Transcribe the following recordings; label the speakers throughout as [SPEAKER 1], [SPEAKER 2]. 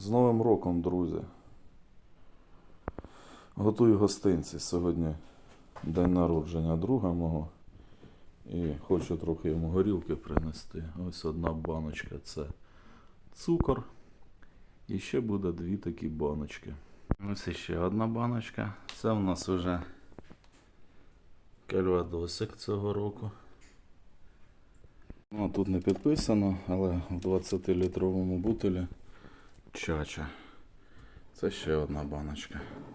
[SPEAKER 1] З Новим роком, друзі! Готую гостинці. Сьогодні день народження друга мого. І хочу трохи йому горілки принести. Ось одна баночка – це цукор. І ще буде дві такі баночки. Ось ще одна баночка. Це у нас вже кальвадосик цього року. Ну, тут не підписано, але в 20-літровому бутилі чача. Це ще одна баночка.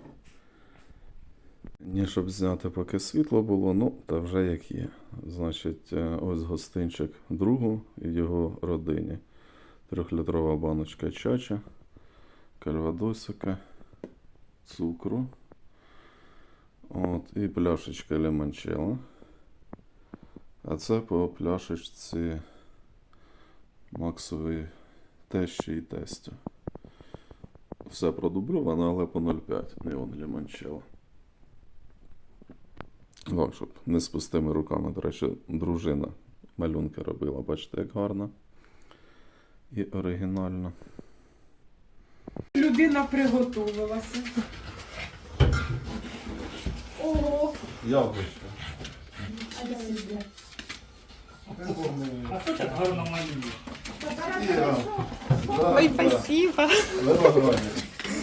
[SPEAKER 1] Ні, щоб зняти, поки світло було, ну, та вже як є. Значить, ось гостинчик другу і його родині. 3-літрова баночка чача, кальвадосика, цукру. От, і пляшечка лимончелло. А це по пляшечці Максової тещі і тестю. Все продубльовано, але по 0,5 неон лимончелло. О, щоб не з пустими руками. До речі, дружина малюнки робила. Бачите, як гарно. І оригінально.
[SPEAKER 2] Людина приготувалася. Ого!
[SPEAKER 1] Яблучко.
[SPEAKER 3] А хто так гарно малює?
[SPEAKER 2] Ой, спасибо.
[SPEAKER 1] Виноградник.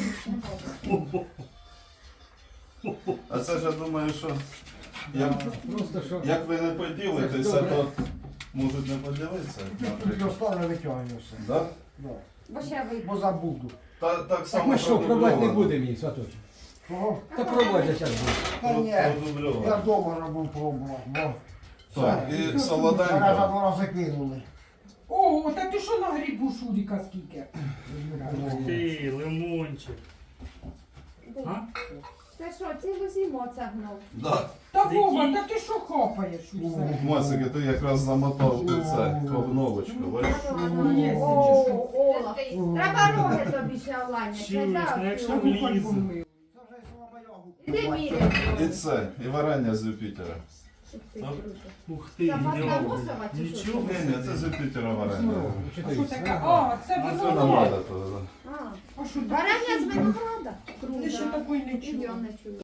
[SPEAKER 1] А це ж я думаю, що як ви не поділитеся, то можуть не поділитися.
[SPEAKER 4] Тут останнє витягую все.
[SPEAKER 1] Да?
[SPEAKER 4] Да. Бо забуду.
[SPEAKER 1] Так
[SPEAKER 5] Так
[SPEAKER 1] само
[SPEAKER 5] ми що, пробувати не
[SPEAKER 1] продубльовано.
[SPEAKER 5] будемо їх, Сваточок?
[SPEAKER 4] Кого?
[SPEAKER 5] Та пробувати зараз буде.
[SPEAKER 4] Та ні,
[SPEAKER 1] Продубльовано.
[SPEAKER 4] я вдома робив пробував. Бо
[SPEAKER 1] Так, і
[SPEAKER 4] мене за
[SPEAKER 1] солоденько.
[SPEAKER 4] 2 рази кинули.
[SPEAKER 2] Ого, та ти що на грибу Шуріка скільки?
[SPEAKER 3] Ти, лимончик. А?
[SPEAKER 6] Ти що, цілу зиму цягнув?
[SPEAKER 1] Да.
[SPEAKER 2] Та Вова, та ти що хапаєш усе?
[SPEAKER 1] Мосики, ти якраз замотав у це обновочку. Бачиш?
[SPEAKER 2] Є,
[SPEAKER 6] О,
[SPEAKER 2] чи що?
[SPEAKER 6] о, треба роги тобі ще
[SPEAKER 3] Чуєш,
[SPEAKER 6] оладня.
[SPEAKER 3] ну якщо
[SPEAKER 2] Та ну, хоч
[SPEAKER 3] влізе.
[SPEAKER 2] помив.
[SPEAKER 4] Це вже слабо йогу.
[SPEAKER 6] Іди міряй.
[SPEAKER 1] І це, і варення з Юпітера.
[SPEAKER 3] Ух ти,
[SPEAKER 6] Запасна
[SPEAKER 3] йо.
[SPEAKER 6] мусова чи що?
[SPEAKER 3] Нічого.
[SPEAKER 1] Ні, це з Юпітера варення.
[SPEAKER 2] А що таке? А, це
[SPEAKER 1] Це
[SPEAKER 2] виноград.
[SPEAKER 1] винограда.
[SPEAKER 6] А,
[SPEAKER 2] А що таке?
[SPEAKER 6] варення з винограда.
[SPEAKER 2] Ти ще такої не чула.
[SPEAKER 6] Ідем, не чую.